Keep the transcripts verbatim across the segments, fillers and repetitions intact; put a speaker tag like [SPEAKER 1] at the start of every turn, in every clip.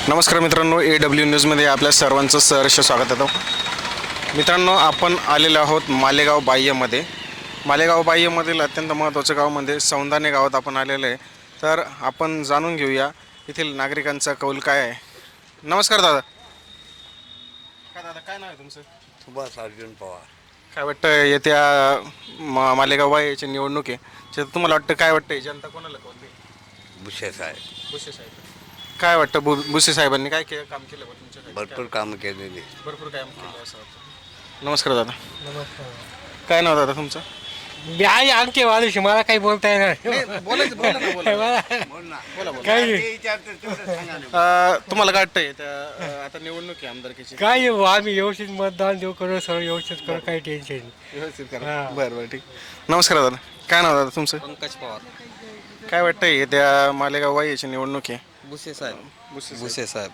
[SPEAKER 1] नमस्कार मित्रांनो, A W न्यूजमध्ये आपल्या सर्वांचं सहर्ष स्वागत आहे. मित्रांनो, आपण आलेलो आहोत मालेगाव बाह्यमध्ये. मालेगाव बाह्यमधील अत्यंत महत्त्वाचं गाव म्हणजे सौंदाणे गावात आपण आलेलो आहे. तर आपण जाणून घेऊया येथील नागरिकांचा कौल काय आहे. नमस्कार दादा. काय दादा, काय नाव आहे तुमचं?
[SPEAKER 2] सुभाष अर्जुन पवार.
[SPEAKER 1] काय वाटतं येत्या मा मालेगाव बाह्यची निवडणूक आहे, तर तुम्हाला वाटतं काय वाटतं जनता कोणाला कौल देईल?
[SPEAKER 2] बुशे साहेब.
[SPEAKER 1] बुसे साहेब. काय वाटतं बु बुसे साहेबांनी काय के काम केलं बा तुमच्याकडे?
[SPEAKER 2] भरपूर कामं केलेली.
[SPEAKER 1] भरपूर काम केलं असं वाटतं. नमस्कार दादा.
[SPEAKER 3] नमस्कार.
[SPEAKER 1] काय नाव दादा तुमचं?
[SPEAKER 3] मी आहे आमचे वाढूश, मला काही बोलता येणार
[SPEAKER 1] बोलायचं बोला ना, बोला. बोला, बोला.
[SPEAKER 3] काही
[SPEAKER 1] अं, तुम्हाला काय वाटतंय त्या अं, आता निवडणूक आहे आमदारकीची?
[SPEAKER 3] काय हो, आम्ही व्यवस्थित मतदान देऊ करू, सगळं व्यवस्थित करू, काही टेन्शन नाही.
[SPEAKER 1] व्यवस्थित करा.
[SPEAKER 3] हा.
[SPEAKER 1] बरं बरं ठीक. नमस्कार दादा. काय नाव दादा तुमचं?
[SPEAKER 4] पंकज पवार.
[SPEAKER 1] काय वाटतंय त्या मालेगाव वाईची निवडणूक आहे?
[SPEAKER 4] बुसे साहेब.
[SPEAKER 1] बुसे
[SPEAKER 4] बुसे साहेब.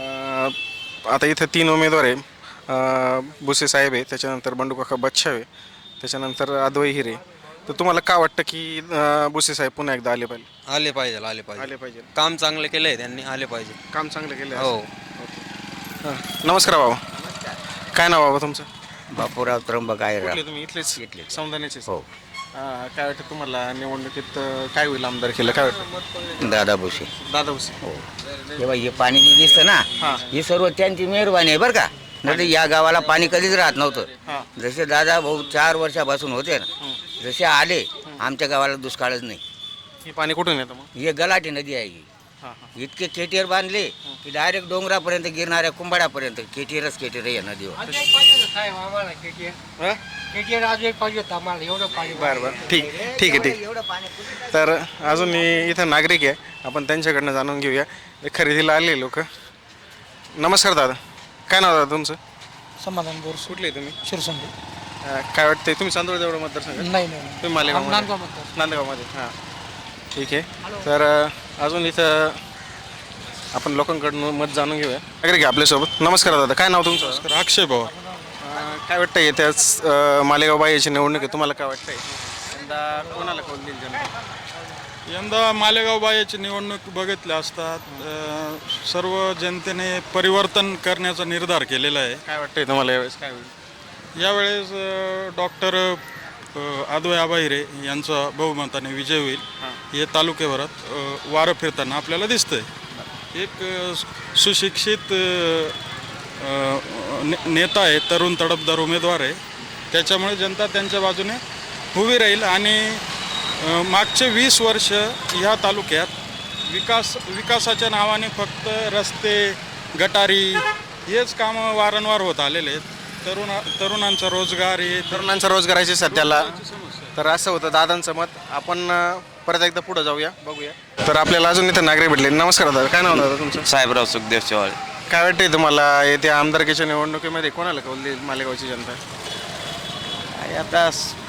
[SPEAKER 1] अं, आता इथं तीन उमेदवार आहे. अं, बुसे साहेब आहे, त्याच्यानंतर बंडूकाका बच्छाव आहे, त्याच्यानंतर अद्वै हिरे. तर तुम्हाला काय वाटतं की अं, बुसे साहेब पुन्हा एकदा आले पाहिजे?
[SPEAKER 4] आले पाहिजे आले पाहिजे
[SPEAKER 1] आले पाहिजे.
[SPEAKER 4] काम चांगलं केलंय त्यांनी, आले पाहिजे.
[SPEAKER 1] काम चांगलं केलं.
[SPEAKER 4] हो.
[SPEAKER 1] हां. नमस्कार बाबा. काय नाव बाबा तुमचं?
[SPEAKER 2] बापूराव त्र्यंबक आहे.
[SPEAKER 1] कुठले तुम्ही? इथलेच इथले सौंदाण्याचेच?
[SPEAKER 2] हो.
[SPEAKER 1] हां. काय वाटतं तुम्हाला निवडणुकीत अं, काय होईल आमदार केलं? काय वाटतं?
[SPEAKER 2] दादा बुशे.
[SPEAKER 1] दादा बुसे.
[SPEAKER 2] हो. जेव्हा हे पाणी जे दिसतं ना,
[SPEAKER 1] हां.
[SPEAKER 2] ही सर्व त्यांची मेहरबानी आहे बरं का. नाही तर या गावाला पाणी कधीच राहत नव्हतं.
[SPEAKER 1] हां.
[SPEAKER 2] जसे दादा भाऊ चार वर्षापासून होते ना, जसे आले आमच्या गावाला दुष्काळच नाही.
[SPEAKER 1] हे पाणी कुठून येतं मग?
[SPEAKER 2] हे गलाटी नदी आहे ही.
[SPEAKER 1] हां हां.
[SPEAKER 2] इतके केटीयर बांधले की डायरेक्ट डोंगरापर्यंत गिरणाऱ्या कुंभाड्यापर्यंत केटीयरच केटीयर आहे नदीवर.
[SPEAKER 3] अजून एक पाहिजे होतं साहेब आम्हाला केटीएर.
[SPEAKER 1] हां?
[SPEAKER 3] केटीएर अजून एक पाहिजे होतं आम्हाला, एवढं पाणी.
[SPEAKER 1] बरं बरं ठीक ठीक आहे ठीक.
[SPEAKER 2] एवढं पाणी
[SPEAKER 1] तर अजून इथं नागरिक आहे, आपण त्यांच्याकडनं जाणून घेऊया. ते खरेदीला आले लोक. नमस्कार दादा. काय नाव दादा तुमचं?
[SPEAKER 5] समाधान बोरस
[SPEAKER 1] कुठले तुम्ही?
[SPEAKER 5] शिरसंडी.
[SPEAKER 1] अं, काय वाटतंय तुम्ही चांदोड देवळा मतदारसंघ?
[SPEAKER 5] नाही नाही
[SPEAKER 1] तुम्ही मालेगाव?
[SPEAKER 5] नांदगाव मतदार.
[SPEAKER 1] नांदगावमध्ये. हां ठीक आहे. तर अं, अजून इथं आपण लोकांकडून मत जाणून घेऊया. नागरिक आहे आपल्यासोबत. नमस्कार दादा. काय नाव तुमचं?
[SPEAKER 6] अक्षय पवार.
[SPEAKER 1] अं, काय वाटतंय त्याच मालेगाव बाईची निवडणूक आहे, तुम्हाला काय वाटतंय यंदा कोणाला कौल देईल जनता?
[SPEAKER 6] यंदा मालेगाव बायाची निवडणूक बघितल्या असतात अ, सर्व जनतेने परिवर्तन करण्याचा निर्धार केलेला आहे.
[SPEAKER 1] काय वाटतंय तुम्हाला यावेळेस काय होईल?
[SPEAKER 6] यावेळेस डॉक्टर अद्वै आबाहिरे यांचा बहुमताने विजय होईल हे तालुक्याभरात अ, वारं फिरताना आपल्याला दिसतंय. एक अ, सुशिक्षित अ, ने- नेता आहे, तरुण तडफदार उमेदवार आहे, त्याच्यामुळे जनता त्यांच्या बाजूने उभी राहील. आणि अ, मागचे वीस वर्ष ह्या तालुक्यात विकास विकासाच्या नावाने फक्त रस्ते गटारी हेच कामं वारंवार होत आलेले आहेत. तरुण तरुणांचा रोजगार हे
[SPEAKER 1] तरुणांचा रोजगाराची सध्याला. तर असं होतं दादांचं मत. आपण अं, परत एकदा पुढे जाऊया, बघूया. तर आपल्याला अजून इथं नागरिक भेटले. नमस्कार दादा. काय नाव दादा तुमचं?
[SPEAKER 4] साहेबराव सुखदेव चव्हाण.
[SPEAKER 1] काय वाटतंय तुम्हाला येत्या आमदारकीच्या निवडणुकीमध्ये कोणाला कौल देईल मालेगावची जनता?
[SPEAKER 4] आता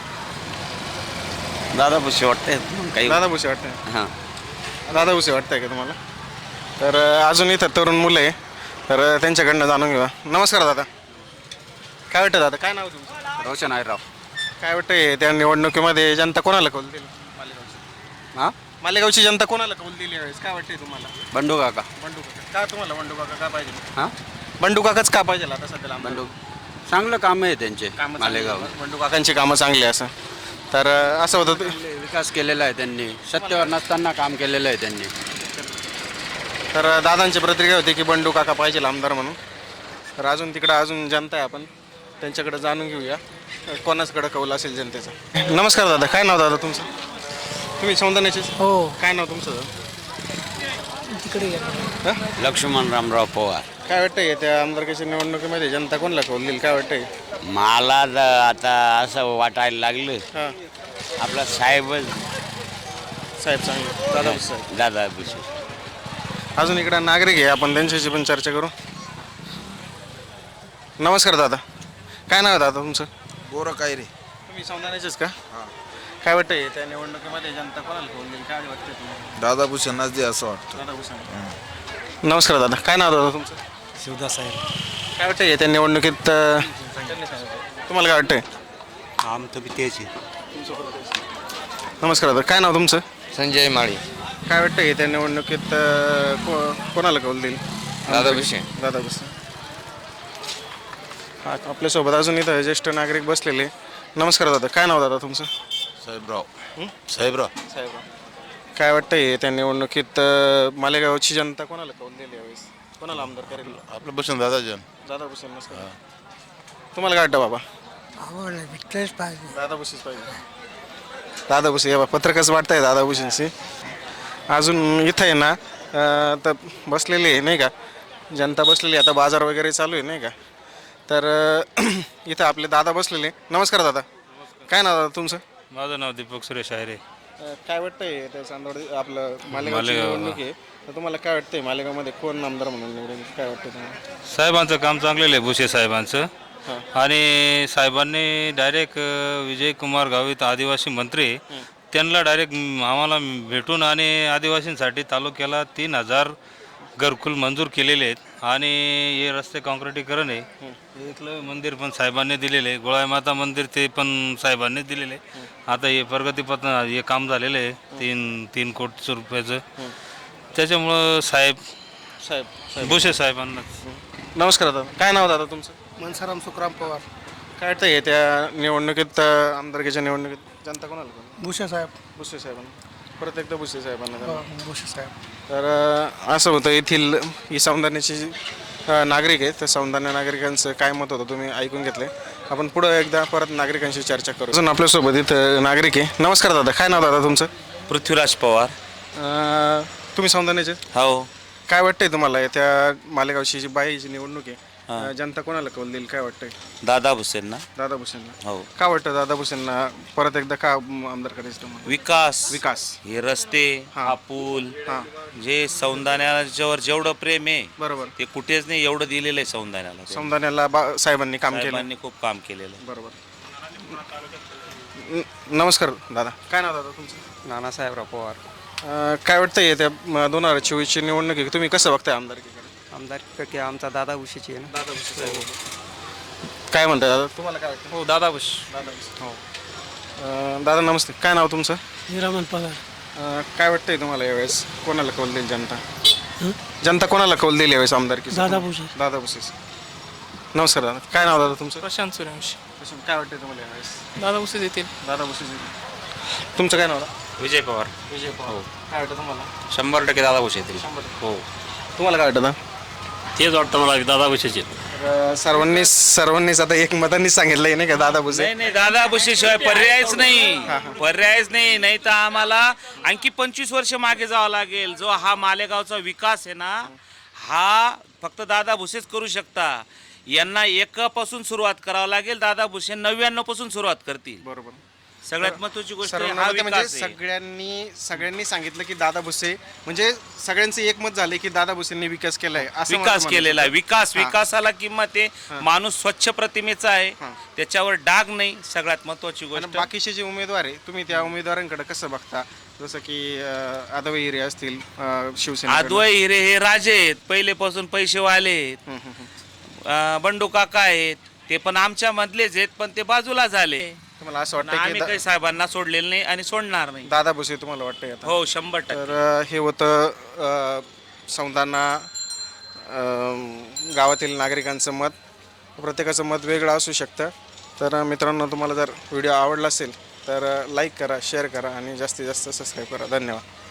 [SPEAKER 4] दादा बुसे वाटते काही.
[SPEAKER 1] दादा भुसे वाटतंय?
[SPEAKER 4] हां.
[SPEAKER 1] दादा भुसे वाटतंय का तुम्हाला? तर अं, अजून इथं तरुण मुलं आहे, तर अं, त्यांच्याकडनं जाणून घेऊया. नमस्कार दादा. काय वाटतं दादा? काय नाव तुमचं?
[SPEAKER 4] रोशन आहे राव.
[SPEAKER 1] काय वाटतंय त्या निवडणुकीमध्ये जनता कोणाला कौल देईल मालेगावची?
[SPEAKER 4] हां.
[SPEAKER 1] मालेगावची जनता कोणाला कौल दिली यावेळेस? काय वाटतंय तुम्हाला?
[SPEAKER 4] बंडू काका.
[SPEAKER 1] बंडू काका. का तुम्हाला बंडू काका का पाहिजे?
[SPEAKER 4] हां.
[SPEAKER 1] बंडू काकाच का पाहिजे आता सध्याला आमदार?
[SPEAKER 4] बंडू चांगलं काम आहे त्यांचे
[SPEAKER 1] कामं
[SPEAKER 4] मालेगाव.
[SPEAKER 1] चांगली आहेत. बंडू काकांची कामं चांगली आहे असं. तर अं, असं होतं ते-
[SPEAKER 4] विकास केलेला आहे त्यांनी, सत्तेवर नसताना काम केलेलं आहे त्यांनी.
[SPEAKER 1] तर अं, दादांची प्रतिक्रिया होती की बंडू काका पाहिजे आमदार म्हणून. तर अजून तिकडं अजून जनता आहे, आपण त्यांच्याकडे जाणून घेऊया कोणाचकडे कौल असेल जनतेचा. नमस्कार दादा. काय नाव दादा तुमचं? तुम्ही सौंदर्याचेच?
[SPEAKER 5] हो
[SPEAKER 1] काय नाव तुमचं?
[SPEAKER 5] तिकडे गेला.
[SPEAKER 1] हं?
[SPEAKER 4] लक्ष्मण रामराव पवार.
[SPEAKER 1] काय वाटतंय त्या आमदारकीच्या निवडणुकीमध्ये जनता कोणाला कौल देईल? काय वाटतंय?
[SPEAKER 4] मला ज- आता असं वाटायला लागलं
[SPEAKER 1] हां.
[SPEAKER 4] आपला साहेबच
[SPEAKER 1] साहेब चांगले. दादा भुसे साहेब.
[SPEAKER 4] दादा बुसे.
[SPEAKER 1] अजून इकडं नागरिक आहे, आपण त्यांच्याशी पण चर्चा करू. नमस्कार दादा. काय नाव आहे दादा तुमचं?
[SPEAKER 7] बोरं काय रे.
[SPEAKER 1] तुम्ही सौंदर्याचेच का? काय वाटतंय त्या निवडणुकीमध्ये जनता कोणाला कौल देईल? काय वाटतंय तुम्हाला?
[SPEAKER 7] दादा भूषणाच दे असं वाटतं.
[SPEAKER 1] दादा भुसे. नमस्कार दादा. काय नाव दादा तुमचं?
[SPEAKER 5] शिवदास साहेब.
[SPEAKER 1] काय वाटतंय त्या निवडणुकीत अं, तुम्हाला काय वाटतंय?
[SPEAKER 5] आमचं बी तेच आहे.
[SPEAKER 1] नमस्कार दादा. काय नाव तुमचं?
[SPEAKER 4] संजय माळी.
[SPEAKER 1] काय वाटतंय त्या निवडणुकीत अं, को कोणाला कौल देईल?
[SPEAKER 8] दादा भुसे
[SPEAKER 1] दादा भुसे. हा, आपल्यासोबत अजून इथं ज्येष्ठ नागरिक बसलेले. नमस्कार दादा, काय नाव दादा तुमचं?
[SPEAKER 7] साहेबराव साहेबराव
[SPEAKER 1] साहेब, काय वाटतंय त्या निवडणुकीत अं, मालेगावची जनता कोणाला कौल दिली यावेळेस? कोणाला आमदार करेल?
[SPEAKER 7] आपलं बसून दादा जन
[SPEAKER 1] दादा भुसे. नमस्कार. तुम्हाला काय वाटतं बाबा?
[SPEAKER 5] आवडलं भेटलंच पाहिजे.
[SPEAKER 1] दादा भुसेच पाहिजे. दादा भुसे या बा, पत्रकच वाटतंय दादा भुसेंशी. अजून इथं आहे ना अं, तर बसलेली आहे नाही का, जनता बसलेली आहे. आता बाजार वगैरे चालू आहे नाही का, तर अं, इथं आपले दादा बसलेले. नमस्कार दादा, काय नाव दादा तुमचं?
[SPEAKER 9] माझं नाव दीपक सुरेश आहे रे.
[SPEAKER 1] अं, काय वाटतंय त्या चांदवड आपलं मालेगावची निवडणूक आहे, तर तुम्हाला काय वाटतंय मालेगावमध्ये कोण आमदार म्हणून निवडून काय वाटतं तुम्हाला?
[SPEAKER 9] साहेबांचं काम चांगलेलं आहे भुसे साहेबांचं. आणि साहेबांनी डायरेक्ट विजय कुमार गावित आदिवासी मंत्री त्यांना डायरेक्ट आम्हाला भेटून आणि आदिवासींसाठी तालुक्याला तीन हजार घरकुल मंजूर केलेले आहेत. आणि हे रस्ते काँक्रिटीकरण आहे. इथलं मंदिर पण साहेबांनी दिलेलं आहे. गोळाई माता मंदिर ते पण साहेबांनी दिलेलं आहे. आता हे प्रगतीपथ हे काम झालेलं आहे तीन तीन कोटी रुपयाचं. त्याच्यामुळं साहेब
[SPEAKER 1] साहेब
[SPEAKER 9] भुसे साहेबांनाच.
[SPEAKER 1] नमस्कार दादा, काय नाव दादा तुमचं?
[SPEAKER 5] मनसाराम सुखराम पवार.
[SPEAKER 1] काय वाटतंय त्या निवडणुकीत अं, आमदारकीच्या निवडणुकीत जनता कोणाला करेल?
[SPEAKER 5] भुसे साहेब.
[SPEAKER 1] भुसे साहेबांना, परत एकदा भुसे साहेबांना द्या.
[SPEAKER 5] भुसे साहेब.
[SPEAKER 1] तर अं, असं होतं येथील ही सौंदर्याची जी अं, नागरिक आहेत, तर सौंदर्य नागरिकांचं काय मत होतं तुम्ही ऐकून घेतले. आपण पुढं एकदा परत नागरिकांशी चर्चा करू. अजून आपल्यासोबत इथं नागरिक आहे. नमस्कार दादा, काय नाव दादा तुमचं?
[SPEAKER 8] पृथ्वीराज पवार.
[SPEAKER 1] अं, तुम्ही सौंदर्याचे
[SPEAKER 8] हो,
[SPEAKER 1] काय वाटतंय तुम्हाला त्या मालेगावची जी बाईची निवडणूक आहे, अं, जनता कोणाला कौल देईल काय वाटतंय?
[SPEAKER 8] दादा भुसेंना.
[SPEAKER 1] दादा भुसेंना.
[SPEAKER 8] हो,
[SPEAKER 1] का वाटतं दादा भुसेंना परत एकदा का आमदार करायचं तुम्हाला?
[SPEAKER 8] विकास
[SPEAKER 1] विकास.
[SPEAKER 8] हे रस्ते,
[SPEAKER 1] हा.
[SPEAKER 8] हा पूल,
[SPEAKER 1] हां,
[SPEAKER 8] जे सौंदाण्याच्यावर जेवढं प्रेम आहे
[SPEAKER 1] बरोबर.
[SPEAKER 8] ते कुठेच नाही एवढं दिलेलं आहे सौंदाण्याला.
[SPEAKER 1] सौंदर्याला बा साहेबांनी काम केलं.
[SPEAKER 8] साहेबांनी खूप काम केलेलं आहे.
[SPEAKER 1] बरोबर. न- नमस्कार दादा, काय नाव दादा तुमचं?
[SPEAKER 4] नानासाहेबराव पवार.
[SPEAKER 1] अं, काय वाटतंय त्या म, दोन हजार चोवीसची निवडणूक आहे, तुम्ही कसं बघताय आमदारकीकडे?
[SPEAKER 4] आमदार की आमचा दादा भुसेची आहे ना.
[SPEAKER 1] दादा भुसे साहेब. काय म्हणताय दादा, तुम्हाला काय वाटतं?
[SPEAKER 4] हो, दादा भुस.
[SPEAKER 1] दादा भुसे. हो. अं, दादा नमस्ते, काय नाव तुमचं?
[SPEAKER 5] हिरामन पगार.
[SPEAKER 1] अं, काय वाटतंय तुम्हाला यावेळेस कोणाला कौल देईल जनता? जनता कोणाला कौल देईल यावेळेस आमदारकी?
[SPEAKER 5] दादा भुसे.
[SPEAKER 1] दादा भुसे. नमस्कार दादा, काय नाव दादा तुमचं?
[SPEAKER 3] प्रशांत सूर्यवंशी.
[SPEAKER 1] काय वाटतंय तुम्हाला यावेळेस?
[SPEAKER 3] दादा भुसे देतील.
[SPEAKER 1] दादा भुसे. तुमचं काय नाव दादा?
[SPEAKER 4] विजय पवार.
[SPEAKER 1] विजय पवार. काय वाटतं तुम्हाला?
[SPEAKER 4] शंभर टक्के दादा भुसे येतील. हो,
[SPEAKER 1] तुम्हाला काय वाटतं दादा?
[SPEAKER 9] तेच वाटतं मला दादा भुसेचे.
[SPEAKER 1] तर सर्वांनी सर्वांनीच आता एक मतांनी सांगितलंय नाही का दादा भुसे?
[SPEAKER 8] नाही नाही, दादा भुसेशिवाय पर्यायच नाही. पर्यायच नाही. नाही तर आम्हाला आणखी पंचवीस वर्ष मागे जावं लागेल. जो हा मालेगावचा विकास आहे ना, हा फक्त दादा भुसेच करू शकता. यांना एकापासून सुरुवात करावं लागेल. दादा भुसे नव्याण्णव पासून सुरुवात करतील.
[SPEAKER 1] बरोबर.
[SPEAKER 8] सगळ्यात महत्वाची गोष्ट आहे
[SPEAKER 1] सर्वांना
[SPEAKER 8] हा
[SPEAKER 1] मते म्हणजे
[SPEAKER 8] विकास आहे.
[SPEAKER 1] सगळ्यांनी सगळ्यांनी सांगितलं की दादा भुसे म्हणजे सगळ्यांचं एकमत झाले की दादा भुसेंनी विकास केलाय असं
[SPEAKER 8] विकास
[SPEAKER 1] मला
[SPEAKER 8] केलेला आहे.
[SPEAKER 1] म्हणायचं.
[SPEAKER 8] विकास
[SPEAKER 1] हा.
[SPEAKER 8] विकासाला किंमत आहे. माणूस स्वच्छ प्रतिमेचा आहे.
[SPEAKER 1] हा.
[SPEAKER 8] त्याच्यावर डाग नाही. सगळ्यात महत्वाची
[SPEAKER 1] आणि
[SPEAKER 8] गोष्ट.
[SPEAKER 1] बाकीचे जे उमेदवार आहे तुम्ही त्या उमेदवारांकडे कसं बघता? जसं की आदव हिरे असतील अं, शिवसेना.
[SPEAKER 8] आदवय हिरे हे राजे आहेत. पहिलेपासून पैसेवाले आहेत. अं, बंडू काका आहेत. ते पण आमच्या मधलेच आहेत, पण ते बाजूला झाले.
[SPEAKER 1] तुम्हाला असं
[SPEAKER 8] पण
[SPEAKER 1] वाटतं
[SPEAKER 8] आम्ही
[SPEAKER 1] की
[SPEAKER 8] काही
[SPEAKER 1] दा-
[SPEAKER 8] साहेबांना सोडलेलं नाही आणि सोडणार नाही.
[SPEAKER 1] दादा भुसे तुम्हाला वाटतंय आता?
[SPEAKER 8] हो, शंभर टक्के.
[SPEAKER 1] तर अ, हे होतं अ, सौंदाणा अ, गावातील नागरिकांचं मत. प्रत्येकाचं मत वेगळं असू शकतं. तर अ, मित्रांनो, तुम्हाला जर व्हिडिओ आवडला असेल तर लाईक करा, शेअर करा आणि जास्तीत जास्त सबस्क्राईब करा. धन्यवाद.